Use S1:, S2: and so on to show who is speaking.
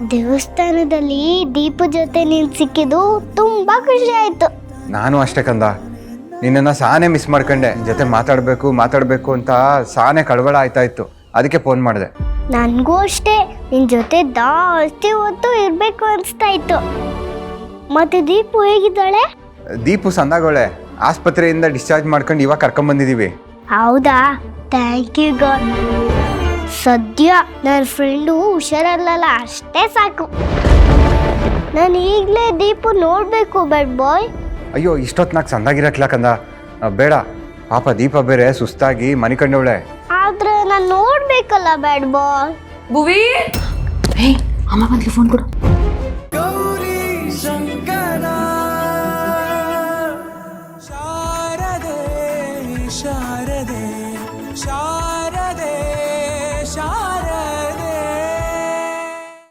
S1: ದೇವಸ್ಥಾನದಲ್ಲಿ ದೀಪ ಜೊತೆ ನೀನು ಸಿಕ್ಕಿದ್ದು ತುಂಬಾ ಖುಷಿ ಆಯ್ತು.
S2: ನಾನು ಅಷ್ಟೇ ಕಂದ, ನಿನ್ನನ್ನು ಸಾನೇ ಮಿಸ್ ಮಾಡ್ಕೊಂಡೆ. ಜೊತೆ ಮಾತಾಡಬೇಕು ಅಂತ ಸಾನೇ ಕಳವಳ ಆಯ್ತಾಯಿತ್ತು, ಅದಕ್ಕೆ ಫೋನ್ ಮಾಡಿದೆ.
S1: ನನಗೂ ಅಷ್ಟೇ, ನಿನ್ನ ಜೊತೆ ಜಾಸ್ತಿ ಹೊತ್ತು ಇರಬೇಕು ಅನಿಸ್ತಾ ಇತ್ತು. ಮತ್ತೆ ದೀಪು ಹೇಗಿದ್ದಾಳೆ?
S2: ದೀಪು ಸಂದಾಗೋಳೆ, ಆಸ್ಪತ್ರೆಯಿಂದ ಡಿಸ್ಚಾರ್ಜ್ ಮಾಡ್ಕೊಂಡು ಇವಾಗ ಕರ್ಕೊಂಬಂದಿದ್ದೀವಿ.
S1: ಹೌದಾ, ಥ್ಯಾಂಕ್ ಯು ಗಾಡ್. ಸದ್ಯ ನನ್ನ ಫ್ರೆಂಡು ಹುಷಾರಲ್ಲ, ಅಷ್ಟೇ ಸಾಕು. ನಾನು ಈಗಲೇ ದೀಪು ನೋಡಬೇಕು ಬ್ಯಾಡ್ ಬಾಯ್.
S2: ಅಯ್ಯೋ, ಇಷ್ಟೊತ್ತು ಸಂದಾಗಿರಕ್ಲ ಕಂದ, ಬೇಡ. ಪಾಪ ದೀಪ ಬೇರೆ ಸುಸ್ತಾಗಿ ಮನೆ ಕಂಡವಳೆ.
S1: ಆದ್ರೆ ನಾನು ನೋಡ್ಬೇಕಲ್ಲ ಬ್ಯಾಡ್ ಬಾಯ್.
S3: ಭುವಿ, ಅಮ್ಮ ಬಂದ್ಲಿ, ಫೋನ್ ಕೊಡು.